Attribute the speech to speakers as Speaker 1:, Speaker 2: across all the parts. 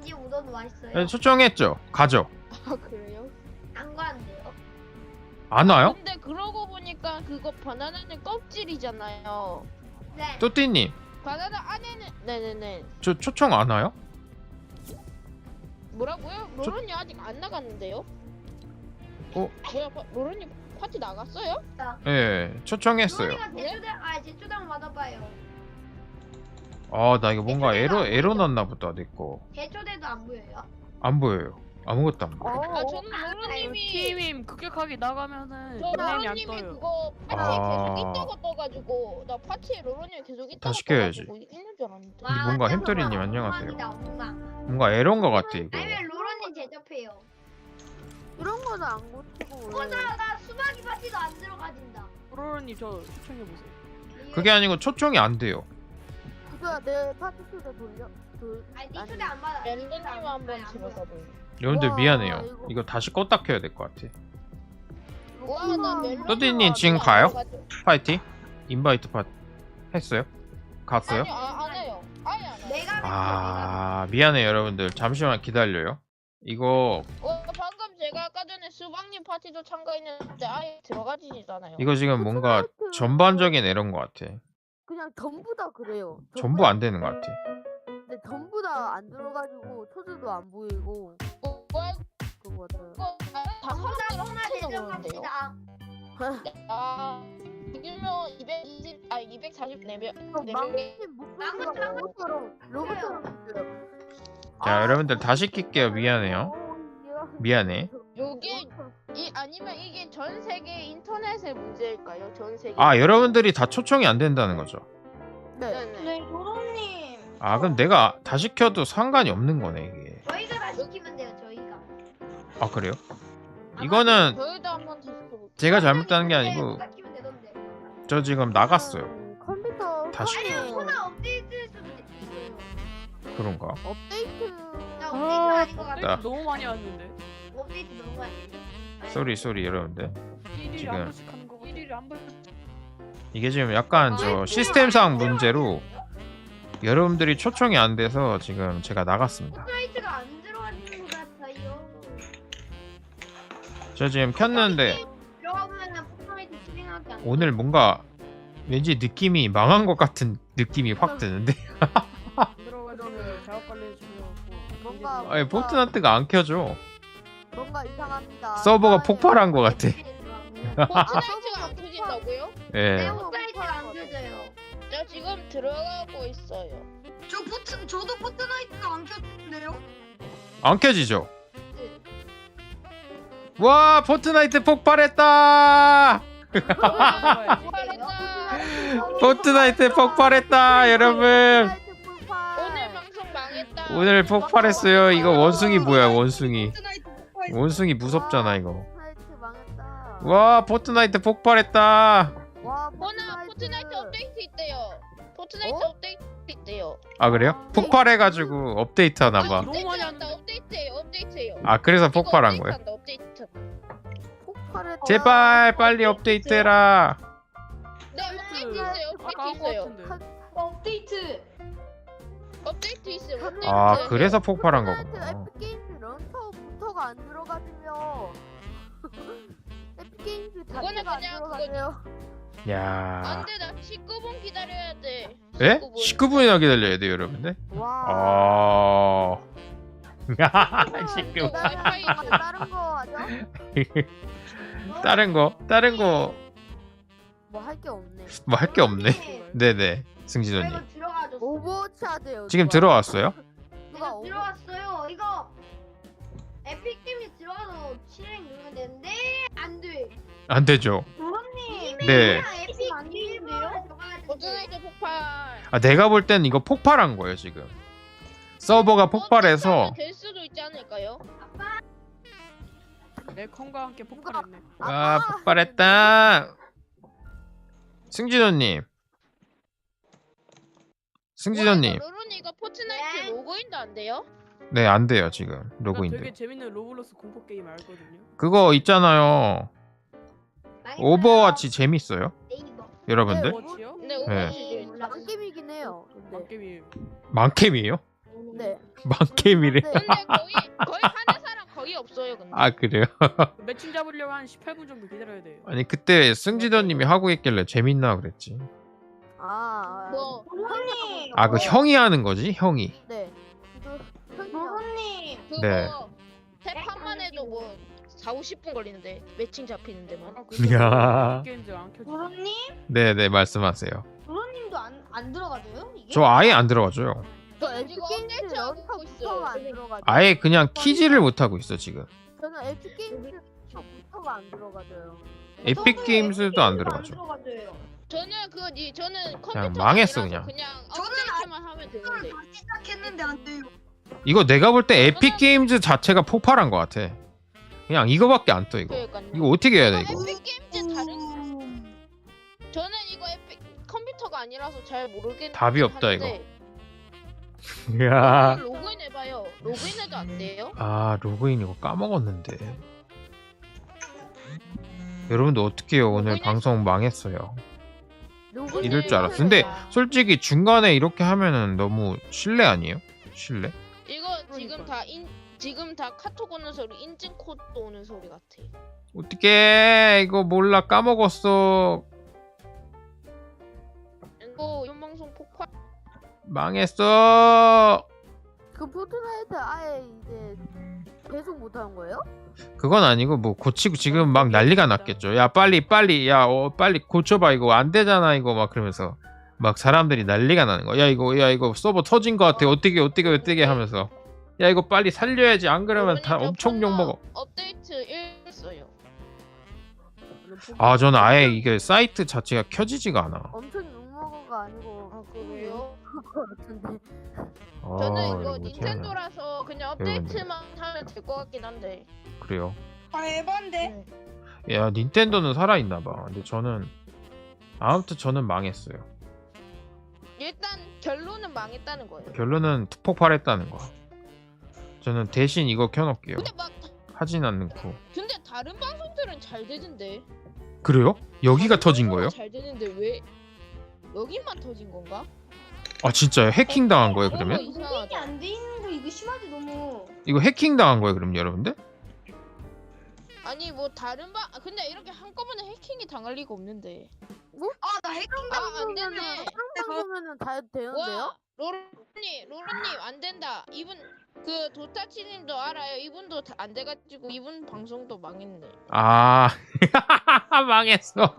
Speaker 1: 왠지 우동 맛있어요.
Speaker 2: 네, 초청했죠. 가죠.
Speaker 3: 아 그래요?
Speaker 1: 안 가는데요?
Speaker 2: 안 와요?
Speaker 3: 근데 그러고 보니까 그거 바나나는 껍질이잖아요.
Speaker 1: 네.
Speaker 2: 또띠님,
Speaker 3: 바나나 안에는 네네네.
Speaker 2: 저 초청 안 와요?
Speaker 3: 뭐라고요? 로런이 아직 안 나갔는데요?
Speaker 2: 어?
Speaker 3: 뭐야 로런이 파티 나갔어요?
Speaker 2: 예, 초청했어요.
Speaker 1: 로리가 제초당 받아봐요.
Speaker 2: 아, 나 이거 뭔가 에러 났나 보다, 내 거.
Speaker 1: 제초대도 안 보여요?
Speaker 2: 안 보여요. 아무것도 안 보여.
Speaker 3: 아 저는 로런님이
Speaker 4: 팀임 급격하게 나가면은
Speaker 3: 저
Speaker 4: 닉네임이 안
Speaker 3: 로런님이
Speaker 4: 떠요.
Speaker 3: 그거 파티에
Speaker 2: 아.
Speaker 3: 계속 있다고 떠가지고 나 파티에 로런님이 계속 있다고
Speaker 2: 다시 켜야지.
Speaker 3: 떠가지고 있는 줄 알았는데.
Speaker 2: 이 뭔가 햄터리님 안녕하세요.
Speaker 1: 엉망이다.
Speaker 2: 뭔가 에러인 것 같아, 이거.
Speaker 1: 아니 왜 로런님 제접해요?
Speaker 5: 이런 거는 안 고치고 왜?
Speaker 1: 나 수박이 파티도 안 들어가진다.
Speaker 4: 로로님 저 추천해 보세요.
Speaker 2: 그게 아니고 초청이 안 돼요.
Speaker 5: 그거야 내 파티 초대 돌려
Speaker 1: 아니 니 초대 안 받아.
Speaker 3: 랜더님 한번 들어가 보요.
Speaker 2: 여러분들
Speaker 5: 우와,
Speaker 2: 미안해요.
Speaker 5: 이거.
Speaker 2: 이거 다시 껐다 켜야 될 것 같아.
Speaker 3: 와나 멜론.
Speaker 2: 또띠님 지금 가요? 파이팅? 인바이트 파 했어요? 갔어요?
Speaker 3: 아니요 안 해요. 아예 안 해요.
Speaker 1: 내가
Speaker 2: 아, 미안해요, 여러분들. 잠시만 기다려요. 이거
Speaker 3: 방금 제가 아까 전에 수박님 파티도 참가했는데 아예 들어가지잖아요.
Speaker 2: 이거 지금 뭔가 전반적인 에러인 것 같아.
Speaker 5: 그냥 전부 다 그래요.
Speaker 2: 전부 안 되는 것 같아.
Speaker 5: 근데 전부 다 안 들어가지고 초대도 안 보이고
Speaker 3: 뭐야
Speaker 5: 그런 거 같아요.
Speaker 3: 이거 다 사람들
Speaker 1: 하나
Speaker 3: 합쳐서
Speaker 1: 대전
Speaker 3: 그러는데요.
Speaker 1: 갑시다.
Speaker 3: 아 지금은 220 244명.
Speaker 5: 망님 목소리가 로봇처럼 들려요.
Speaker 2: 자, 여러분들 다시 킬게요. 미안해요. 미안해.
Speaker 3: 요게 아니면 이게 전 세계 인터넷의 문제일까요? 전 세계.
Speaker 2: 아, 여러분들이 다 초청이 안 된다는 거죠.
Speaker 3: 네네.
Speaker 1: 로런님.
Speaker 2: 아, 그럼 내가 다시 켜도 상관이 없는 거네, 이게.
Speaker 1: 저희가 다 시키면 돼요. 저희가.
Speaker 2: 아, 그래요? 이거는
Speaker 3: 저희도 한번 다시 해볼게요.
Speaker 2: 제가 잘못한 게 아니고
Speaker 1: 시키면 되던데.
Speaker 2: 저 지금 나갔어요.
Speaker 5: 컴퓨터
Speaker 2: 다시.
Speaker 5: 화면에
Speaker 1: 코너 업데이트일 수도 있어요.
Speaker 2: 그런가?
Speaker 5: 업데이트
Speaker 1: 나 업데이트 아닌 것 같아.
Speaker 4: 너무 많이 왔는데.
Speaker 1: 업데이트 너무 많이.
Speaker 2: 쏘리 여러분들.
Speaker 4: 일일이
Speaker 2: 지금.
Speaker 4: 한 번씩 하는 거고. 일일이 한 번.
Speaker 2: 이게 지금 약간 저 시스템상 문제로 여러분들이 초청이 안 돼서 지금 제가 나갔습니다.
Speaker 1: 업데이트가 안 들어가는 것 같아요.
Speaker 2: 저 지금 켰는데
Speaker 1: 들어가면은 포트나이트 실행하기 안 돼.
Speaker 2: 오늘 뭔가 왠지 느낌이 망한 것 같은 느낌이 확 드는데.
Speaker 4: 들어가지고 작업 관리 중이었고.
Speaker 5: 뭔가
Speaker 2: 아니, 포트나이트가 안 켜져.
Speaker 5: 뭔가 이상합니다.
Speaker 2: 서버가 폭발한 것 같아.
Speaker 3: 포트나이트가 안 켜진다고요?
Speaker 2: 예.
Speaker 1: 업데이트가 안 켜져요.
Speaker 3: 저 지금 들어가고 있어요.
Speaker 1: 저도 포트나이트가 안 켜지는데요?
Speaker 2: 안 켜지죠? 와, 포트나이트 폭발했다!
Speaker 3: 폭발했다.
Speaker 2: 포트나이트 폭발했다, 여러분.
Speaker 3: 오늘 방송 망했다.
Speaker 2: 오늘 폭발했어요. 이거 원숭이 뭐야, 원숭이. 원숭이 무섭잖아, 이거.
Speaker 5: 포트나이트 망했다.
Speaker 2: 와, 포트나이트 폭발했다.
Speaker 5: 와,
Speaker 3: 포트나이트 업데이트 있대요. 포트나이트
Speaker 5: 어?
Speaker 3: 업데이트 있대요.
Speaker 2: 아, 그래요? 폭발해가지고 업데이트 하나봐.
Speaker 4: 너무 많이
Speaker 3: 한다. 업데이트해요.
Speaker 2: 아, 그래서 폭발한
Speaker 3: 이거
Speaker 2: 거예요?
Speaker 3: 업데이트한다, 업데이트.
Speaker 5: 폭발했다.
Speaker 2: 제발 빨리 업데이트 해라.
Speaker 3: 네, 업데이트 있어요.
Speaker 4: 아까
Speaker 3: 업데이트
Speaker 4: 한거
Speaker 3: 있어요.
Speaker 4: 같은데.
Speaker 3: 업데이트 있어요. 업데이트.
Speaker 2: 아, 그래서 폭발한
Speaker 5: 포트나이트
Speaker 2: 거구나.
Speaker 5: 에픽게임즈 런처부터가 안 들어가지며 에픽게임즈
Speaker 3: 그거는
Speaker 5: 자체가 안
Speaker 3: 그냥
Speaker 5: 들어가네요.
Speaker 2: 야.
Speaker 3: 안돼, 나 19분 기다려야 돼.
Speaker 2: 예?
Speaker 3: 19분.
Speaker 2: 19분이나 기다려야 돼요, 여러분들.
Speaker 5: 와.
Speaker 2: 아.
Speaker 3: 시끄러워.
Speaker 5: 다른 거 하죠?
Speaker 2: 다른 거
Speaker 5: 뭐 할 게 없네.
Speaker 2: 뭐 할 게 없네. 네네, 승진호님.
Speaker 1: 이거 들어가죠.
Speaker 5: 오버워치 하세요.
Speaker 2: 지금
Speaker 5: 누가.
Speaker 2: 들어왔어요?
Speaker 5: 누가
Speaker 1: 이거 들어왔어요. 이거 에픽게임이 들어가서 실행 누르면 되는데 안 돼.
Speaker 2: 안 되죠.
Speaker 1: 로런님.
Speaker 2: 네.
Speaker 1: 에픽 아닌데요?
Speaker 3: 포트나이트 폭발.
Speaker 2: 아, 내가 볼 땐 이거 폭발한 거예요, 지금. 서버가 폭발해서.
Speaker 3: 될 수도 있지 않을까요?
Speaker 4: 내 컴과 함께 폭발했네.
Speaker 2: 아, 폭발했다. 승진호님. 승진호님.
Speaker 3: 로론이 이거 포트나이트 로그인도 안 돼요?
Speaker 2: 네, 안 돼요, 지금.
Speaker 4: 나
Speaker 2: 로그인돼.
Speaker 4: 되게 재밌는 로블록스 공포 게임 알거든요.
Speaker 2: 그거 있잖아요. 오버워치 재밌어요?
Speaker 1: 네이버.
Speaker 2: 여러분들?
Speaker 4: 오버워치요?
Speaker 3: 근데
Speaker 2: 네.
Speaker 3: 오버워치
Speaker 5: 망게임이긴 해요. 근데
Speaker 4: 게임이
Speaker 2: 만캠이에요?
Speaker 5: 네.
Speaker 2: 망게임이래.
Speaker 5: 네.
Speaker 3: 근데 거의 하는 사람 거의 없어요. 근데.
Speaker 2: 아 그래요?
Speaker 4: 매칭 잡으려고 한 18분 정도 기다려야 돼요.
Speaker 2: 아니 그때 승지더님이 하고 있길래 재밌나 그랬지.
Speaker 3: 뭐
Speaker 1: 로로님.
Speaker 2: 아 그 형이 하는 거지? 형이.
Speaker 5: 네. 이거 형이요.
Speaker 1: 로로님.
Speaker 3: 그거
Speaker 2: 네.
Speaker 3: 세 판만 해도 뭐 4, 50분 걸리는데 매칭 잡히는데만.
Speaker 4: 아, 그래서
Speaker 2: 야.
Speaker 4: 게임즈 안 켜져.
Speaker 1: 로로님?
Speaker 2: 네네 말씀하세요.
Speaker 1: 로로님도 안 들어가져요? 이게?
Speaker 2: 저 아예 안 들어가줘요.
Speaker 5: 저
Speaker 3: 저는 지금
Speaker 5: 에픽게임즈
Speaker 3: 업데이트하고
Speaker 5: 연타부터가 안
Speaker 3: 있어요.
Speaker 5: 들어가죠.
Speaker 2: 아예 그냥 키지를 못 하고 있어 지금.
Speaker 5: 저는 에픽게임즈부터가 안 들어가져요.
Speaker 2: 에픽 게임즈도 안 들어가죠.
Speaker 1: 들어가져요.
Speaker 3: 저는 컴퓨터
Speaker 2: 망했어, 그냥.
Speaker 1: 저는
Speaker 3: 업데이트만 하면 되는데.
Speaker 1: 다시 시작했는데 안 돼요.
Speaker 2: 이거 내가 볼 때 에픽 게임즈 자체가 폭발한 것 같아. 그냥 이거밖에 안 떠 이거.
Speaker 3: 그러니까요.
Speaker 2: 이거 어떻게 해야 돼 이거?
Speaker 3: 에픽 게임즈 다른 저는 이거 에픽 컴퓨터가 아니라서 잘 모르겠는데
Speaker 2: 답이 없다, 이거. 야.
Speaker 3: 로그인 해봐요. 로그인해도 안 돼요?
Speaker 2: 아 로그인 이거 까먹었는데. 여러분들 어떡해요 오늘
Speaker 3: 로그인할
Speaker 2: 방송 망했어요.
Speaker 5: 로그인
Speaker 2: 이럴 줄 알았어. 근데 솔직히 중간에 이렇게 하면은 너무 실례 아니에요? 실례?
Speaker 3: 이거 지금 다 카톡 오는 소리, 인증 코드 오는 소리 같아.
Speaker 2: 어떡해 이거 몰라 까먹었어.
Speaker 3: 이거 이번 방송 폭발.
Speaker 2: 망했어.
Speaker 5: 그 포트나이트 아예 이제 계속 못하는 거예요?
Speaker 2: 그건 아니고 뭐 고치고 지금 막 난리가 났겠죠. 야 빨리 빨리 고쳐봐 이거 안 되잖아 이거 막 그러면서 막 사람들이 난리가 나는 거야. 야 이거 서버 터진 거 같아. 어떻게 하면서 야 이거 빨리 살려야지 안 그러면 다 엄청 욕 먹어.
Speaker 3: 업데이트 1 했어요.
Speaker 2: 아 저는 아예 이게 사이트 자체가 켜지지가 않아.
Speaker 5: 엄청 욕먹어가 아니고
Speaker 3: 아 그래요?
Speaker 5: 그거 같은데.
Speaker 2: 아,
Speaker 3: 저는 이거
Speaker 2: 이거
Speaker 3: 닌텐도라서 그냥 업데이트만 하면 될 것 같긴 한데.
Speaker 2: 그래요.
Speaker 1: 아 에반데.
Speaker 2: 야 닌텐도는 살아있나 봐. 근데 저는 아무튼 저는 망했어요.
Speaker 3: 일단 결론은 망했다는 거예요.
Speaker 2: 결론은 폭발했다는 거. 저는 대신 이거 켜놓을게요.
Speaker 3: 근데 막
Speaker 2: 하진 않고.
Speaker 3: 근데 다른 방송들은 잘 되던데.
Speaker 2: 그래요? 여기가
Speaker 3: 다른
Speaker 2: 터진
Speaker 3: 방송은
Speaker 2: 거예요?
Speaker 3: 잘 되는데 왜 여기만 터진 건가?
Speaker 2: 아 진짜요? 해킹 당한 거예요
Speaker 3: 어,
Speaker 2: 그러면?
Speaker 3: 이상하다.
Speaker 1: 로그인이 안 돼 있는 거 이거 심하지 너무.
Speaker 2: 이거 해킹 당한 거예요 그럼 여러분들?
Speaker 3: 아니 뭐 다른 근데 이렇게 한꺼번에 해킹이 당할 리가 없는데.
Speaker 1: 아나 해킹
Speaker 3: 안 되네.
Speaker 5: 방송면은 잘 되는데요?
Speaker 3: 와 로로님 안 된다. 이분 그 도타치님도 알아요. 이분도 안 돼가지고 이분 방송도 망했네.
Speaker 2: 아 망했어.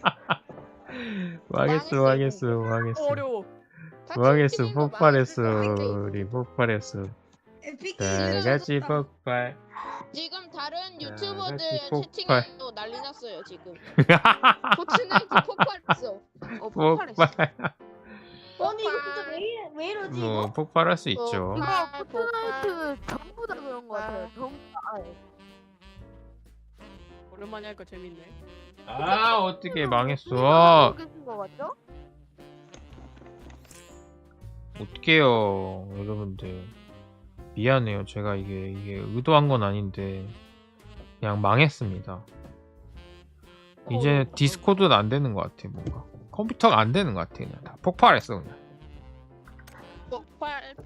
Speaker 3: 망했어요,
Speaker 4: 어려워.
Speaker 2: 망했어.
Speaker 3: 타치님도
Speaker 2: 폭발했어.
Speaker 3: 망했을
Speaker 2: 우리 폭발했어.
Speaker 1: 에픽
Speaker 2: 다 같이 폭발.
Speaker 3: 지금 다른
Speaker 2: 같이
Speaker 3: 유튜버들
Speaker 2: 폭발.
Speaker 3: 채팅에도 난리 났어요 지금. 포트나이트 폭발했어. 폭발했어.
Speaker 2: 폭발.
Speaker 1: 아니 이거 진짜 왜 이러지
Speaker 2: 뭐
Speaker 1: 이거?
Speaker 2: 폭발할 수 있죠.
Speaker 5: 이거
Speaker 3: 아,
Speaker 5: 포트나이트 전부 다 그런 거 같아요. 전부 다 아예.
Speaker 4: 오랜만에 하니까 재밌네.
Speaker 2: 아 어떻게
Speaker 5: 누가
Speaker 2: 망했어?
Speaker 5: 모르겠는 거 같죠?
Speaker 2: 어떡해요 여러분들. 미안해요. 제가 이게 의도한 건 아닌데 그냥 망했습니다. 이제 디스코드도 안 되는 것 같아. 뭔가 컴퓨터가 안 되는 것 같아. 그냥 다 폭발했어 그냥.
Speaker 3: 폭발.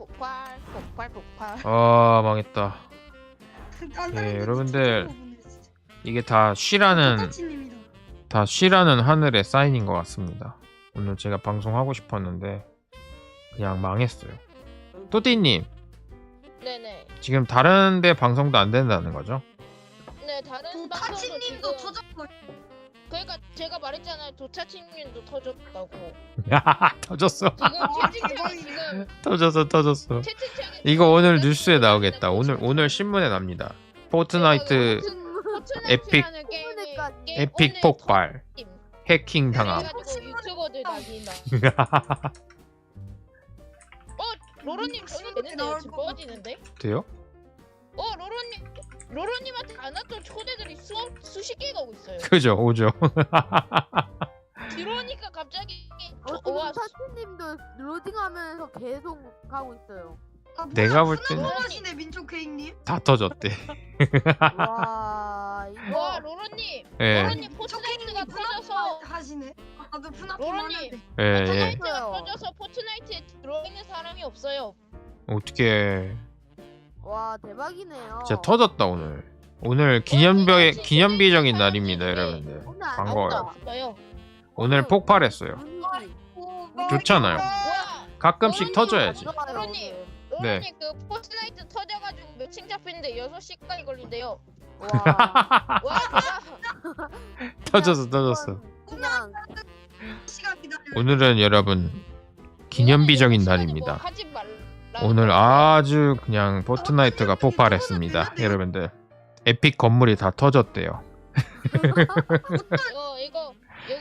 Speaker 2: 아 망했다. 예, 여러분들. 이게 다 쉬라는
Speaker 1: 도타치님이다.
Speaker 2: 다 쉬라는 하늘의 사인인 것 같습니다. 오늘 제가 방송하고 싶었는데 그냥 망했어요. 또띠님
Speaker 3: 네네.
Speaker 2: 지금 다른데 방송도 안 된다는 거죠?
Speaker 3: 네 다른 방송도
Speaker 1: 도타치님도
Speaker 3: 지금
Speaker 1: 터졌고.
Speaker 3: 그러니까 제가 말했잖아요. 도차친님도 터졌다고.
Speaker 2: 터졌어.
Speaker 3: 지금 채팅창에 지금
Speaker 2: 터졌어.
Speaker 3: 채팅창에
Speaker 2: 이거 오늘 뉴스에 나오겠다. 오늘 신문에 납니다. 포트나이트
Speaker 3: 포트나이트라는 게임이
Speaker 2: 에픽
Speaker 3: 오늘
Speaker 2: 폭발.
Speaker 3: 터짐.
Speaker 2: 해킹 당함.
Speaker 3: 그래가지고 유튜버들 난리나. 로로님 저는 되는데요. 지금 꺼지는데?
Speaker 2: 돼요?
Speaker 3: 로로님한테 안 왔던 초대들이 수십 개가 오고 있어요.
Speaker 2: 그죠, 오죠.
Speaker 3: 들어오니까 갑자기
Speaker 5: 지금
Speaker 3: 와
Speaker 5: 타치님도 로딩하면서 계속 가고 있어요.
Speaker 1: 아, 뭐야,
Speaker 2: 내가 볼
Speaker 1: 훈훈
Speaker 2: 때는-
Speaker 1: 하시네 민족 케이크님.
Speaker 2: 다 터졌대.
Speaker 5: 와 이거
Speaker 3: 와 로로님
Speaker 2: 예,
Speaker 3: 로로님 포트나이트가 터져서
Speaker 1: 하시네. 나도 푸나프
Speaker 3: 로로님.
Speaker 1: 하는데.
Speaker 2: 예, 예.
Speaker 3: 포트나이트가 터져서 포트나이트에 들어있는 사람이 없어요.
Speaker 2: 어떻게
Speaker 5: 와 대박이네요.
Speaker 2: 진짜 터졌다 오늘. 오늘 기념비적인 날입니다, 여러분들.
Speaker 5: 오늘 안
Speaker 2: 반가워요.
Speaker 3: 없어요.
Speaker 2: 오늘 폭발했어요.
Speaker 5: 분위기
Speaker 2: 좋잖아요.
Speaker 3: 와,
Speaker 2: 가끔씩
Speaker 3: 어머니,
Speaker 2: 터져야지.
Speaker 5: 좋아요,
Speaker 3: 로로님.
Speaker 5: 오늘.
Speaker 2: 네.
Speaker 3: 로로님 그 포스나이트 터져가지고 매칭 잡히는데 6시간이 걸린대요.
Speaker 5: 와
Speaker 3: 와 대박.
Speaker 2: 터졌어.
Speaker 5: 그냥
Speaker 1: 시간 기다려.
Speaker 2: 오늘은 여러분 기념비적인
Speaker 3: 로로님,
Speaker 2: 날입니다.
Speaker 3: 그거 하지 말라.
Speaker 2: 오늘 아주 그냥 포트나이트가 폭발했습니다, 여러분들. 에픽 건물이 다 터졌대요.
Speaker 3: 이거